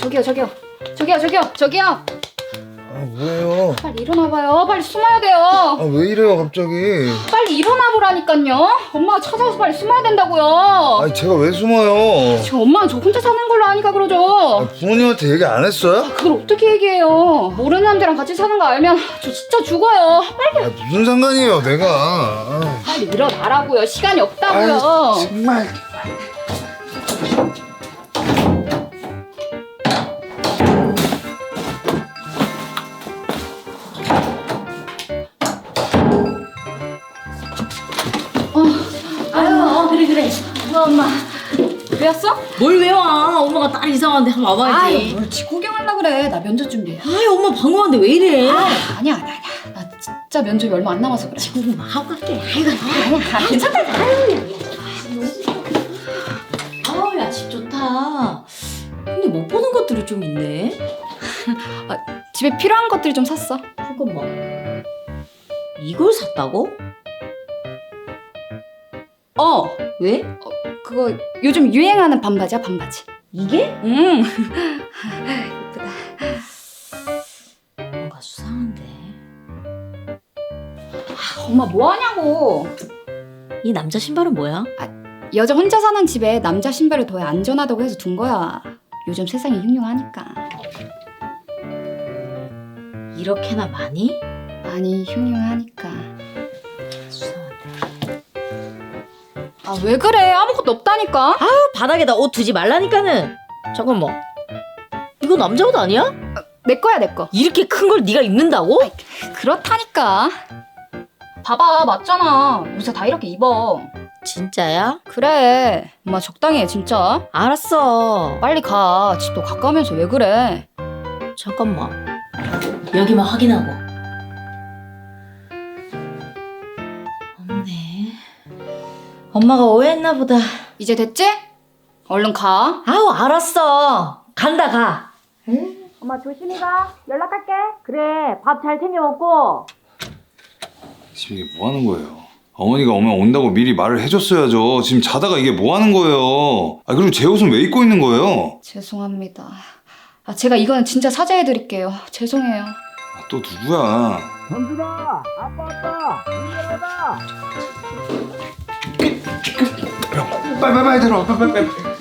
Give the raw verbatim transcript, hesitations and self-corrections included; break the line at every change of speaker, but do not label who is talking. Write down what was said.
저기요 저기요 저기요 저기요 저기요.
아 뭐예요?
빨리 일어나봐요. 빨리 숨어야 돼요.
아 왜 이래요 갑자기?
빨리 일어나보라니까요. 엄마가 찾아와서 빨리 숨어야 된다고요.
아니 제가 왜 숨어요?
지금 엄마는 저 혼자 사는 걸로 아니까 그러죠.
아, 부모님한테 얘기 안 했어요?
그걸 어떻게 얘기해요? 모르는 남자랑 같이 사는 거 알면 저 진짜 죽어요. 빨리
아 무슨 상관이에요 내가. 아,
빨리 일어나라고요. 시간이 없다고요.
아이, 정말.
아유, 그래 그래.
어, 엄마 왜 왔어?
뭘 외워? 엄마가 딸 이상한데 한번 와봐야지.
아유 뭘 집 구경하려고 그래. 나 면접 준비해.
아유, 엄마 방황한데 왜 이래?
아, 아니야 아니야 아니야. 나 진짜 면접이 얼마 안 남아서 그래.
지금 하고 갈게. 아이고,
아니야 괜찮다.
아우, 야, 집 좋다. 근데 못 보는 것들이 좀 있네.
아, 집에 필요한 것들 좀 샀어.
잠깐만. 이걸 샀다고?
어
왜?
그거 요즘 유행하는 반바지야 반바지.
이게?
응. 예쁘다.
뭔가 수상한데.
아, 엄마 뭐 하냐고.
이 남자 신발은 뭐야?
여자 혼자 사는 집에 남자 신발을 둬야 안전하다고 해서 둔 거야. 요즘 세상이 흉흉하니까.
이렇게나 많이?
아니 흉흉하니까.
수상한데.
아 왜 그래? 아무것도 없다니까.
아우, 바닥에다 옷 두지 말라니까는. 잠깐만. 이거 남자 옷 아니야?
내 거야 내 거.
이렇게 큰 걸 네가 입는다고?
그렇다니까. 봐봐 맞잖아. 요새 다 이렇게 입어.
진짜야?
그래. 엄마 적당히 해 진짜.
알았어.
빨리 가. 집도 가까우면서 왜 그래?
잠깐만. 여기만 확인하고. 없네. 엄마가 오해했나 보다.
이제 됐지? 얼른 가.
아우, 알았어. 간다, 가.
엄마 조심히 가. 연락할게.
그래, 밥 잘 챙겨 먹고.
지금 이게 뭐 하는 거예요? 어머니가 오면 온다고 미리 말을 해줬어야죠. 지금 자다가 이게 뭐 하는 거예요? 아 그리고 제 옷은 왜 입고 있는 거예요?
죄송합니다. 아 제가 이거는 진짜 사죄해드릴게요. 죄송해요.
아, 또 누구야?
현준아, 아빠 왔다. 일어나라.
빨리 빨리 빨리 들어. 빨리 빨리 빨리.